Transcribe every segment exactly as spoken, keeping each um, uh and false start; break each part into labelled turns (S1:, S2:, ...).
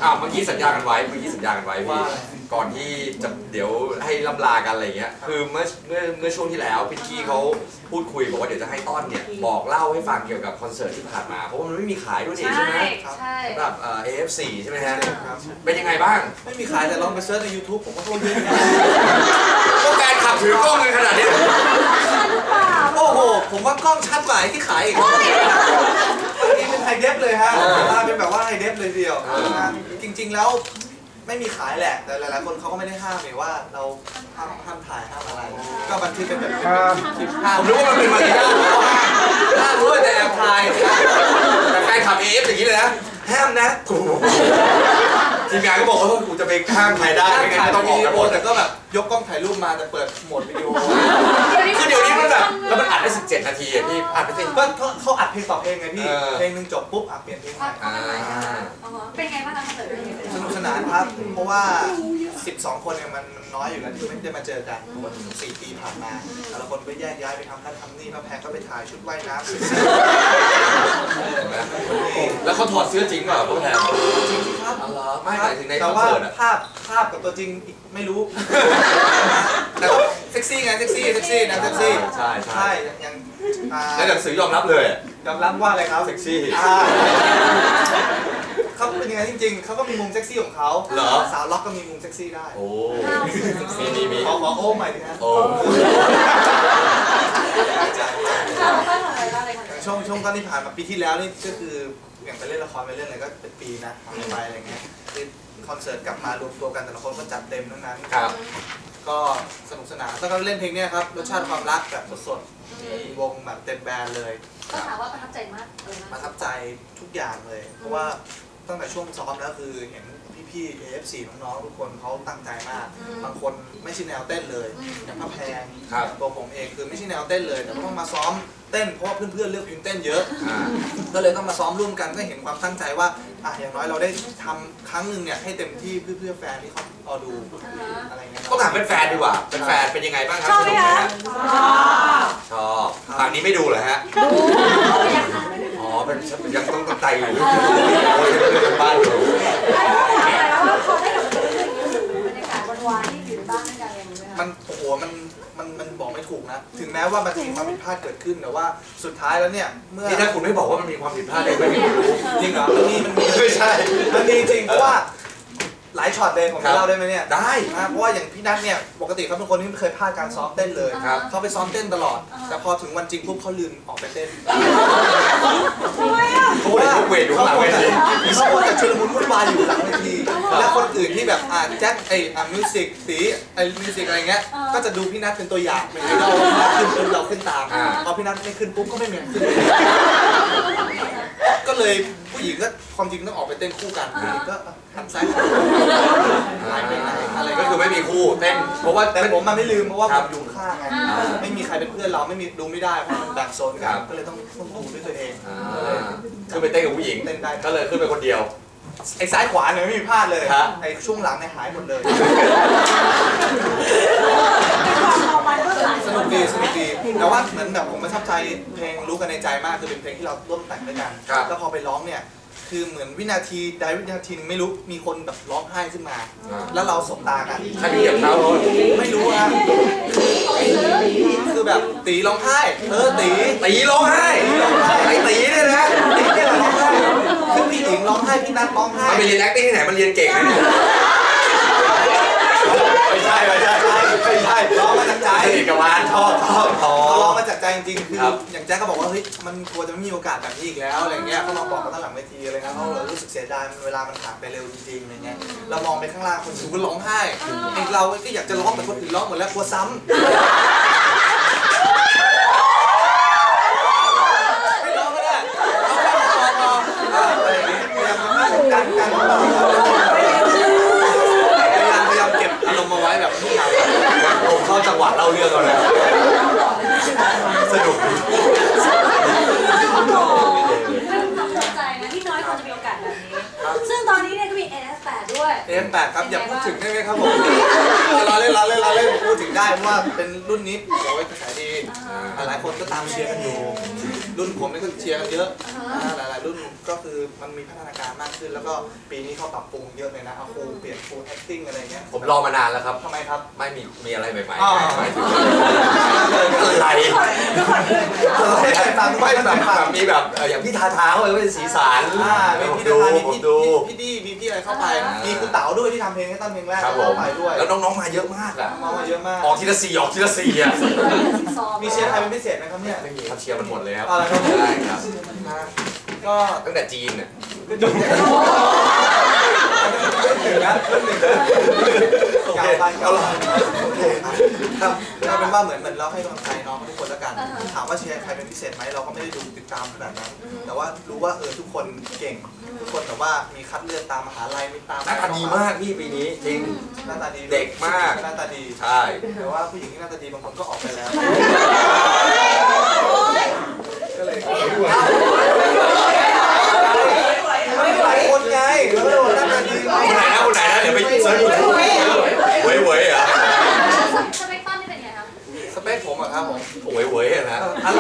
S1: อ้าวเมื่อกี้สัญญากันไว้เมื่อกี้สัญญากันไว้พี่ก่อนที่จะเดี๋ยวให้ล่ำลากันอะไรเงี้ยคือเมื่อเมื่อเมื่อช่วงที่แล้วพี่กี้เขาพูดคุยบอกว่าเดี๋ยวจะให้ต้อนเนี่ยบอกเล่าให้ฟังเกี่ยวกับคอนเสิร์ตที่ผ่านมาเพราะว่ามันไม่มีขายด้วยนี่ใช่ไหม
S2: ใช่
S1: สำหรับเอ่อ เอ เอฟ ซี ใช่ไหมฮะเป็นยังไงบ้าง
S3: ไม่มีขายแต่ลองไปเซิร์ชใน ยูทูบ ผมก็เข้าเยอะ
S1: ก็แฟนขับถือกล้องกันขนาดนี้
S3: โอ้โหผมว่ากล้องชัดกว่าที่ขายอีกอันนี้เป็นไฮเดฟเลยฮะเป็นแบบว่าไฮเดฟเลยเดียวจริงๆแล้วไม่มีขายแหละแต่หลายๆคนเขาก็ไม่ได้ห้ามเลยว่าเราห้ามห้ามถ่ายห้ามอะไรก็บันทึกเป็นแบบคลิปภาพ
S1: ผมรู้ว่ามันเป็นมารยาทห้ามด้วยแต่แอบถ่ายแต่แฟนขับ เอ เอฟ อย่างนี้เลยนะห้ามนะกูทีมงานก็บอกว่ากูจะไปห้ามถ่ายได้ไม่งั้นต้องออกกันหมด
S3: แต่ก็แบบยกกล้องถ่ายรูปมาแต่เปิดโหมดวิดีโอ
S1: คือเดี๋ยวนี้มันแบบแล้วมันอัดได้สิบเจ็ดนาทีพี่อัดไปสิ
S3: ก็เขาอัดเพลงต่อเพลงไงพี่เพลงหนึ่งจบปุ๊บอัดเปลี่ยนเพลงใหม่
S2: เป็นไงบ้างคะคอนเสิร์ต
S3: สนุกสนานครับเพราะว่าสิบสองคนเนี่ยมันน้อยอยู่แล้วที่ไม่ได้มาเจอกันเพราะว่าสี่ปีผ่านมาแต่ละคนก็แยกย้ายไปทำนั่นทำนี่พระแพงก็ไปถ่ายชุดว่ายน้ำ
S1: แล้วเขาถอดเสื้อจริงเปล่าพวกแทน
S3: จริงครับ
S1: ไม่หมายถึงในค
S3: แต่
S1: อน
S3: ว่า
S1: เสิร์ต
S3: ภาพภาพกับตัวจริงไม่รู้แต่เซ็กซี่ไงเซ็กซี่เซ็กซี่นะเซ็กซี่
S1: ใช่ใช่
S3: ยัง
S1: แล้วหนังสือยอมรับเลย
S3: ยอมรับว่าอะไรครับ
S1: เซ็กซี่
S3: เขาเป็นยังไงจริงๆเขาก็มีมุมเซ็กซี่ของเขาสาวล็อกก็มีมุมเซ็กซี่ได้
S1: โอ้มีมีมี
S3: ขอขอโอ้ใหม่ดิฮะ
S1: โอ้
S3: ช่วงช่วงตอนที่ผ่านมาปีที่แล้วนี่ก็คืออย่างไปเล่นละครไปเล่นอะไรก็เป็นปีนะทำไปอะไรเงี้ยคอนเสิร์ตกลับมารวมตัวกันแต่ละคนก็จัดเต็มทั้งนั้น
S1: ครับ
S3: ก็สนุกสนานแล้วก็เล่นเพลงนี้ครับรสชาติความรักแบบสดๆวงแบบเต็มแบนด์เลย
S2: ก็ถามว่าประทับใจมาก
S3: ประทับใจทุกอย่างเลยเพราะว่าตั้งแต่ช่วงซ้อมแล้วคือเห็นพี่ๆ เอ เอฟ ซี น้องๆทุกคนเขาตั้งใจมากบางคนไม่ใช่แนวเต้นเลยอย่างพระแพงตัวผมเองคือไม่ใช่แนวเต้นเลยแต่ก็ต้องมาซ้อมเต้นเพราะว่าเพื่อนๆเลือกเพลงเต้นเยอะก็เลยต้องมาซ้อมร่วมกันก็เห็นความตั้งใจว่าอ่ะอย่างน้อยเราได้ทำครั้งหนึ่งเนี่ยให้เต็มที่เพื่อๆแฟนที่เขารอดูอะไรเงี้ย
S1: ก็ถามเป็นแฟนดีกว่าเป็นแฟนเป็นยังไงบ้างครับ
S2: ชอบไหมคะ
S1: ชอบฝั่งนี้ไม่ดูเหรอฮะอ๋อเป็นยังต้องตั้งใจอยู่โอ้ยเรื่องบ้านอยู่
S3: มันโอ้โหมันมันมันบอกไม่ถูกนะถึงแม้ว่ามันจะมีความผิดพลาดเกิดขึ้นแต่ว่าสุดท้ายแล้วเนี่ยเมื่อ
S1: ที่ถ้าคุณไม่บอกว่ามันมีความผิดพลาดเลยไม่รู้
S3: จริงเหรอมันมีมันมีไม่ใช่มันมีจริงเพราะว่าหลายช็อตเลยผมจะเล่าได้ไหมเนี่ย
S1: ได้
S3: เพราะว่าอย่างพี่นัทเนี่ยปกติเขาเป็นคนที่ไม่เคยพลาดการซ้อมเต้นเลยเขาไปซ้อมเต้นตลอดแต่พอถึงวันจริงปุ๊บเขาลืมออกไปเต้น
S2: ทำไมอ่ะ
S1: เขาเลยทุกเวทอยู่หลังเวที
S3: เขาควรจะชุลมุนวุ่นวายอยู่หลังเวทีและคนอื่นที่แบบอ่าแจ็คไอ้อ่ามิวสิกสีไอ้มิวสิกอะไรเงี้ยก็จะดูพี่นัทเป็นตัวอย่างเป็นไอดอลขึ้นปุ๊บเราขึ้นตามพอพี่นัทไม่ขึ้นปุ๊บก็ไม่เหมือนขึ้นก็เลยผู้หญิงก็ความจริงต้องออกไปเต้นคู่กันก็หันซ้ายหายไปไหนอะไร
S1: ก็คือไม่มีคู่เต้นเพราะว่า
S3: แต่ผมมันไม่ลืมเพราะว่าผมอยู่ข้างไงไม่มีใครเป็นเพื่อนเราไม่มีดูไม่ได้เพราะมันแบ่งโซนกันก็เลยต้องต้องดูด้วยตัวเอง
S1: คือไปเต้นกับผู้หญิง
S3: เต้นได้
S1: ก็เลยขึ้นไปคนเดียว
S3: ไอ้ซ้ายขวาเนี่ยไม่มีพลาดเลยไอ้ช่วงหลังเนี่ยหายหมดเลยสนุกดีสนุกดีแต่ว่าเหมือนแบบผมประทับใจเพลงรู้กันในใจมากคือเป็นเพลงที่เราร่วมแต่งด้วยกันแล้วพอไปร้องเนี่ยคือเหมือนวินาทีใดวินาทีนึงไม่รู้มีคนแบบร้องไห้ขึ้นมาแล้วเราสบตากัน
S1: ใครเหยียบเท้าเรา
S3: ไม่รู้ฮะคือแบบตีร้องไห้เออตี
S1: ตีร้องไห้ไอ้ตีเนี่ยนะ
S3: ตีเนี่ยร้องไห้คือพี่หญิงร้องไห้พี่นัทร้องไห้
S1: มันไปเรียน acting ที่ไหนมันเรียนเก่งนะเนี่ยไม่ใช่ไม่ใช่
S3: ไม่ใช่ร้องมาจากใจ
S1: สนิทกับวานชอบชอบ
S3: เขาร้องมาจากใจจริงๆคืออย่างแจ๊คก็บอกว่าเฮ้ยมันกลัวจะไม่มีโอกาสแบบนี้อีกแล้วอะไรเงี้ยเขามาบอกกันตั้งหลังเวทีอะไรนะเขารู้สึกเสียดายเวลามันผ่านไปเร็วจริงๆอะไรเงี้ยเรามองไปข้างล่างคนอื่นก็ร้องไห้ไอ้เราก็อยากจะร้องแต่คนอื่นร้องหมดแล้วกลัวซ้ำไม่ร้องก็ได้เอาแค่พอพออะไรอย่างเงี้ยพยายามกันกันพยายามพยายามเก็บอารมณ์มาไว้แบบทุกอย่าง
S1: ผมเข้าจังหวะเล่าเรื่องเราเลยสนุก
S2: ที่น้อยคนจะมีโอกาสแบบนี้ซึ่งตอนนี้เนี่ยก็มี เอ เอฟ แปด ด้วย
S3: เอ เอฟ แปด ครับอย่าพูดถึงได้ไหมครับผมเราเล่นเราเล่นเราเล่นพูดถึงได้เพราะว่าเป็นรุ่นนี้โอ้ยกระแสดีหลายคนก็ตามเชียร์กันอยู่รุ่นผมนี่ก็เชียร์กันเยอะหลายๆรุ่นก็คือมันมีพัฒนาการมากขึ้น แล้วก็ปีนี้เขาปรับปรุงเยอะเลยนะเอาครูเปลี่ยนครู acting อะไรเงี้ย
S1: ผมรอมานานแล้วครับ
S3: ทำไมครับ
S1: ไม่มีมีอะไรใหม่
S3: อ๋อ
S1: ๆไม่ถึงอะไร
S2: ทุกคนเลย
S3: ไม่ฟัง
S1: ไม่
S3: ไม่
S1: แบ
S3: แบบ บ
S1: แบบมีแบบเอ่ออย่างพี่ทาทาเขาเลยเป็นสีสัน
S3: อ่ามีพี่
S1: ดู
S3: ดามี
S1: ผม
S3: พี่
S1: ดู
S3: พี่ดีมีพี่อะไรเข้าไป
S1: อ่ามี
S3: มีครูเต๋าด้วยที่ทำเพลงให้ต้นเพลงแรก
S1: ครับผม
S3: เข้าไปด้วย
S1: แล้วน้องๆมาเยอะมากอ่ะ
S3: มามาเยอะมาก
S1: ออกทีละสี่ออกทีละสี่อ่ะ
S3: มีเชียร์ใครเป็นพิเศษไหมครับเนี่ย
S1: ไม่มีครับเชียร์มันหมดเลยครับ
S3: อะไรครับ
S1: ใช่ครับ
S3: นะก็
S1: ตั้งแต่จีนเนี่ย
S3: ก็จบแล้วหนึ่งแล้วหนึ่งแล้วกล่าวไปกล่าวไปโอเคครับครับเอาเป็นว่าเหมือนเหมือนเราให้กำลังใจน้องทุกคนแล้วกันถามว่าเชียร์ใครเป็นพิเศษไหมเราก็ไม่ได้ดูติดตามขนาดนั้นแต่ว่ารู้ว่าเออทุกคนเก่งทุกคนแต่ว่ามีคัดเลือกตามมหาลัยมีตาม
S1: หน้าตาดีมากพี่ปีนี้จริง
S3: หน้าตาดี
S1: เด็กมาก
S3: หน้าตาดี
S1: ใช่
S3: แต่ว่าผู้หญิงที่หน้าตาดีบางคนก็ออกไปแล้วก็เลยไม่หลายคนไงแล้วก็หน้าตาดี
S1: คนไหนนะคนไหนนะเดี๋ยวไปเซิร์ชดูเว้ยเว้ยเหรอ
S2: สเปคต้นนี่เป็นไงคะ
S3: สเปคผมอะครับผม
S1: เว้ยเว้ยอะนะ
S3: อะไร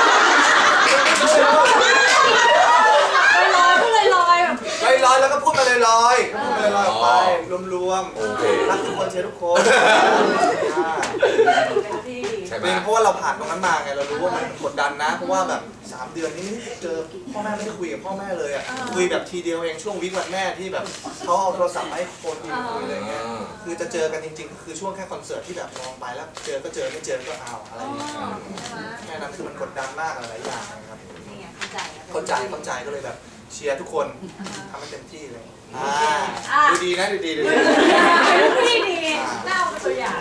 S2: ลอยๆพูดลอยๆแบบ
S3: ลอยลอยๆแล้วก็พูดมาลอยลอยๆพูดมาลอยๆออกไปรวม
S1: โอเค
S3: ๆรักทุกคนเชียร์ทุกคนอ่า
S2: เป็นที่ดี
S1: ใช่ไหม
S3: เป็นเพราะว่าเราผ่านตรงนั้นมาไงเรารู้ว่ามันกดดันนะ เพราะว่าแบบสามเดือนนี้ไม่ได้เจอพ่อแม่ไม่ได้คุยกับพ่อแม่เลยอ่ะคุยแบบทีเดียวเองช่วงวิกวันแม่ที่แบบเขาเอาโทรศัพท์มาให้คนคุยอะไรเงี้ยคือจะเจอกันจริงๆคือช่วงแค่คอนเสิร์ตที่แบบมองไปแล้วเจอก็เจอไม่เจอก็เอาอะไรอย่างเงี้ยแค่นั้นคือมันกดดันมากหลายอย่างนะครับ
S2: นี่ไงเข้าใจ
S3: เข้าใจเข้าใจก็เลยแบบเชียร์ทุกคนทำให้เต็มที่เลยอ่า
S2: อ่า
S3: ดูดีนะดูดีดูดี
S2: พี่ดีน่าเอาเป็นตัวอย่าง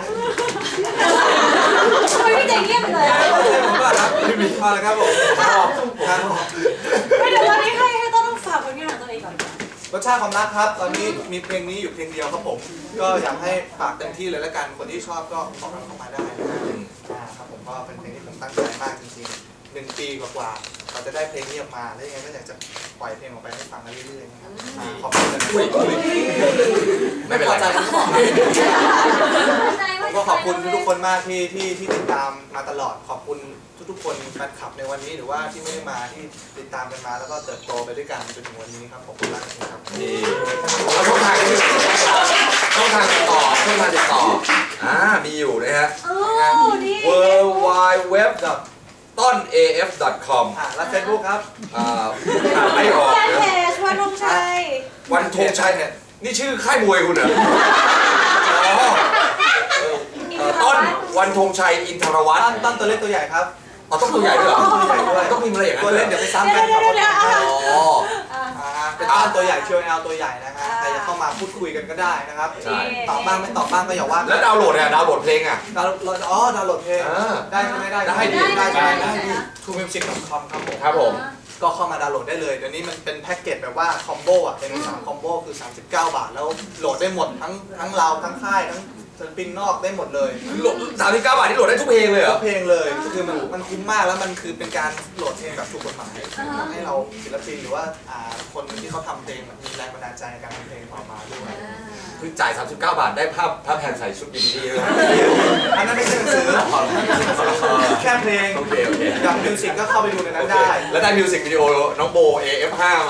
S2: ทำไมพี่ใจเงียบไปเลยอ่ะ
S3: ผมว่าครับพอแล้วครับผมครับ
S2: ไม่เดี๋ยวตอนนี้ให้ให้ต้องฝากผลงานของตัวเองก่อน
S3: รสชาติความรักครับ ตอนนี้มีเพลงนี้อยู่เพลงเดียวครับผม ก็อยากให้ฝากเต็มที่เลยแล้วกันคนที่ชอบก็ขอกันเข้ามาได้นะฮะอ่าครับผมก็เป็นเพลงที่ผมตั้งใจมากจริงๆหนึ่งปีกว่าๆเราจะได้เพลงนี้ออกมาแล้วยังไงก็อยากจะปล่อยเพลงออกไปให้ฟังกันเรื่อยๆนะครับอ่าขอบคุณเลย
S1: ไม่เป็นไร
S3: พอใจก็บอกนะ
S2: ใจ
S3: ผมก็ขอบคุณทุกๆคนมากที่ที่ที่ติดตามมาตลอดขอบคุณทุกๆคนแฟนคลับในวันนี้หรือว่าที่ไม่ได้มาที่ติดตามกันมาแล้วก็เติบโตไปด้วยกันจนถึงวันนี้ครับขอบคุณมากครับ
S1: นี่แล้วช่องทางที่ช่องทางติดต่อช่องทางติดต่ออ่ามีอยู่นะฮะ
S2: โอ้ดี
S1: w w w ต้น เอ เอฟ ดอท คอม
S3: อ่าแล้วเฟซบุ๊กครับ
S1: อ่าอ่านไม่ออก
S2: แฟน
S1: นะ
S2: เพจวันธงชัย
S1: วันธงชัยเนี่ยนี่ชื่อค่ายมวยคุณเหรออ๋อเอ่อต้นวันธงชัยอินทรวัฒ
S3: ตั้
S1: น์
S3: นตั้นตัวเล็กตัวใหญ่ครับ
S1: อ๋อต้องตัวใหญ่ด้วยเหรอ
S3: ตัวใหญ่ด้วย
S1: ต้องมีอะไรอย่างนั้
S3: ตัวน
S1: เหร
S3: เล็
S1: อก
S3: เดี๋ยวไปซ้ำกันครับ
S1: อ๋อ
S3: อ่าเป็นตั้นตัวใหญ่เชียวแอลตัวใหญ่นะฮะใครจะเข้ามาพูดคุยกันก็ได้นะครับ
S1: ใช่
S3: ตอบบ้างไม่ตอบบ้างก็อย่าว่า
S1: แล้วดาวน์โหลดเนี่ยดาวน์โหลดเพลงอ่ะ
S3: ดาวน์โหลดอ๋อดาวน์โหลดเพลง
S1: อ่า
S3: ได้ใช่ไหมได้
S1: ได้ดิ
S3: ได้ใช่ไหม
S1: ได้
S3: ได้ดิทูมิวสิกดอทคอมครับผม
S1: ครับผม
S3: ก็เข้ามาดาวน์โหลดได้เลยเดี๋ยวนี้มันเป็นแพ็กเกจแบบว่าคอมโบอ่ะเป็นสามคอมโบคือสามสิบเก้าบาทแล้วโหลดได้หมดทั้งทั้งเราทั้งค่ายทั้งศิลปินนอกได้หมดเลย
S1: โหลดสามสิบเก้าบาทที่โหลดได้ทุกเพลงเลยเหรอ
S3: เพลงเลยคือมันมันคุ้มมากแล้วมันคือเป็นการโหลดเพลงแบบถูกกฎหมายทำให้เราศิลปินหรือว่าอ่าคนที่เขาทำเพลงแบบมีแรงบันดาลใจในการทำเพลงออกมาด้วย
S1: คือจ่าย สามสิบเก้า บาทได้ภาพภาพแพนใส่ชุดบิกินี่เลย
S3: อันนั้นไม่ใช่หนังสือแค่เพลง
S1: โอเคโอเค
S3: อย่างมิวสิกก็เข้าไปดูในนั้นได้
S1: แล้วได้มิวสิกวิดีโอน้องโบ เอ เอฟ ห้า มา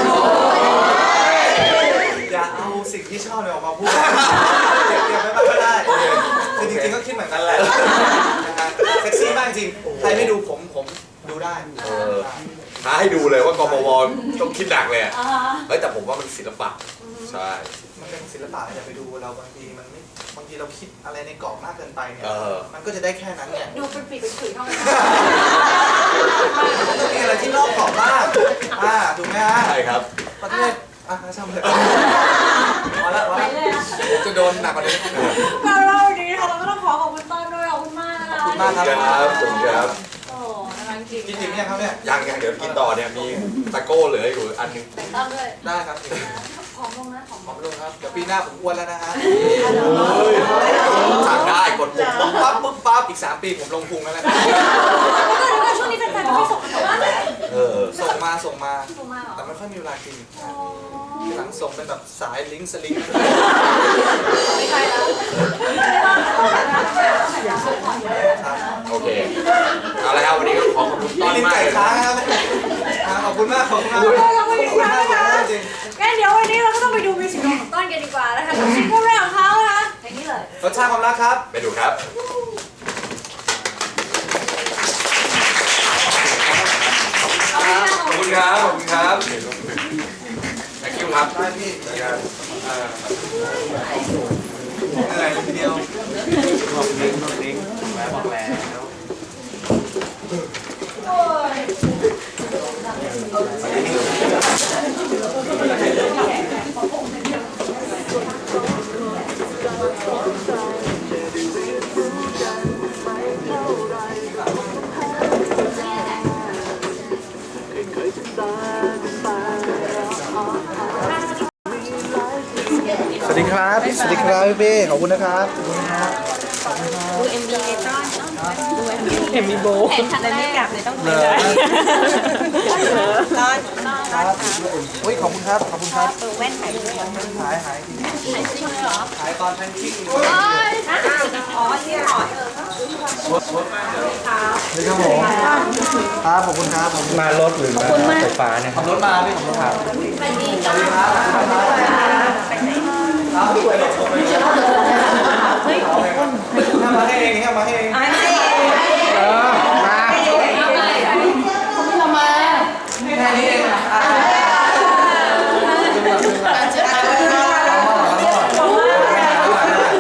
S3: อย่าเอาสิ่งที่ชอบเนี่ยออกมาพูดเก็บเก็บไว้บ้างก็ได้
S1: โอเค
S3: คือจริงๆก็คิดเหมือนกันแหละนะฮะเซ็กซี่มากจริงใครไม่ดูผมผมดูได้
S1: เออท้าให้ดูเลยว่ากมวต้องคิดหนักเลยอะเฮ้ยแต่ผมว่ามันศิลปะใช่
S3: มันเป็นศิลปะอย่าไปดูเราบางทีมันไม่บางทีเราคิดอะไรในกรอบมากเกินไปเนี่ย
S1: เออ
S3: มันก็จะได้แค่นั้นเนี่ย
S2: ดูเป็นปีเป็นขุยเท่านั้น
S3: มันต้องมีอะไรที่นอกกรอบบ้างอ่าถูกไหมฮะ
S1: ใช่ครับ
S3: ประเทศอ่ะช่างเถอะพอละพอ
S2: ไป
S3: ละ
S2: เลยอ่ะ
S3: จะโดนหนักกว่านี้
S2: เราเล่าดีค่ะเราก็ต้องขอขอบคุณต้นด้วยขอบคุณมากนะคะ
S3: ขอบคุณมากครับ
S1: ครับขอบคุณครับ
S2: โอ้น่ารักจริง
S3: กินถึงยังครับเนี่ย
S1: ยังยังเดี๋ยวกินต่อเนี่ยมีตะโก้เหลืออยู่อันหนึง
S2: แต่ต้นด้วย
S3: ได้ครับ
S2: ผอมลงนะผอม
S3: ขอบคุณครับเดี๋ยวปีหน้าผมอ้วนแล้วนะฮะ
S1: สั่งได้กดปุ่ม
S3: ปุ๊บปั๊บปุ๊บปั๊บอีกสามปีผมลงพุงแล้วนะ
S2: แล้วก็แล้วก็ช่วงนี้แฟนๆไม่ค่อยส่งกันแต่ว่า
S1: เออ
S3: ส่งมาส่งมา
S2: ส่งมาเหรอ
S3: แต่ไม่ค่อยมีเวลากิน
S2: โอ้
S3: หลังส่งเป็นแบบสายลิงก์สลิง
S2: ไม่ใช่แล้ว
S1: โอเคเอาละครับวันนี้ก็ขอขอบคุณต้อน
S3: ลิง
S1: มาก
S3: ไก่
S1: เลย
S3: ค้างครับขอบคุณมากขอบคุณมาก
S2: ขอบคุณมาก
S3: ขอบคุณมาก
S2: นะคะ
S3: จริง
S2: งั้นเดี๋ยววันนี้เราก็ต้องไปดูมิวสิกวิดีโอของต้นกันดีกว่านะคะกับซิงเกิลแรกของเขานะคะเพลงนี้เลย
S3: รสชาติความรักครับ
S1: ไปดูครับ
S2: ขอบคุณค่ะ
S1: ขอบคุณครับ ขอบคุณครับ thank you ครับ
S3: ได้พี่เหมือนกันเออเหนื่อยทีเดียว
S4: บอกลิงก์บอกลิงก์แล้วบอกแล้ว
S3: สวัสดีครับ สวัสดีครับพี่เป้ขอบคุณนะครับขอบคุณครับ
S2: ดูเอ็มวีในต้อนดูเอ็มวี
S5: เห็นมีโบ
S2: เห็นครั้งแร
S5: ไม่
S2: ก
S5: กลับเลยต้อง
S3: เล
S5: คุยเลย ยต้อนต้อน
S3: ครับโอ้ยขอบคุณครับ ขอบคุณครับ
S5: ตัวแว่นไข่ด้วย
S3: หายหาย
S2: ถ่ายจริงเลยเหรอ
S3: หายตอนแพนกิ้ง
S2: โอ้ยฮะอ๋อที่หอด
S3: เลยครับผมครับขอบคุณครับขอบคุณ
S4: มารถหรือมาไฟฟ้าเนี่ยค
S3: ขั
S4: รั
S3: บบ รถมาพี่ขับรถมา
S2: ไปดี
S3: สวัสดีครับขอบคุณครับครับสวยเฮ้ยมาให้เองครับมาให้เอง
S5: ไม่
S3: เออมา
S2: เอาไป
S3: แค่นี้เองอ่ะดึงหลังดึงหลังเอาหม้อเอาหม้อ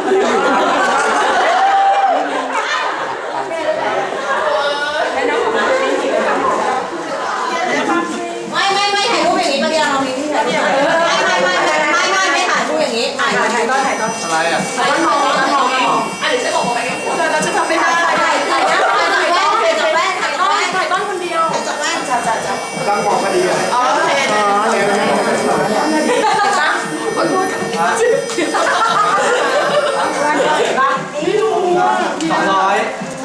S6: ไม่ไม่ไม่ถ่ายรูปอย่างนี้เมื่อกี้เรามีที่ถ่ายรูปไม่ไม่ไม่ไม่ไม่ไม่ไม่ถ่ายรูปอย่างนี้ถ่ายถ่ายถ่ายก็ถ่ายก็
S3: อะไรอ่ะ
S6: ถ่ายก็มองมองมองอ่ะเดี๋ยวฉันบอกไปกันเราจะทำไม่ได้ถ่ายถ่ายถ่ายถ่ายถ่ายแว่นถ่ายแว่นถ่ายแว่นถ่ายต้นคนเดียวถ่ายแว่นจับจับจับ
S3: ตั้งมองพอดีเลย
S6: อ๋อโอเคอ๋อเดี๋ยวตั้งขอโทษ
S3: สองร้อย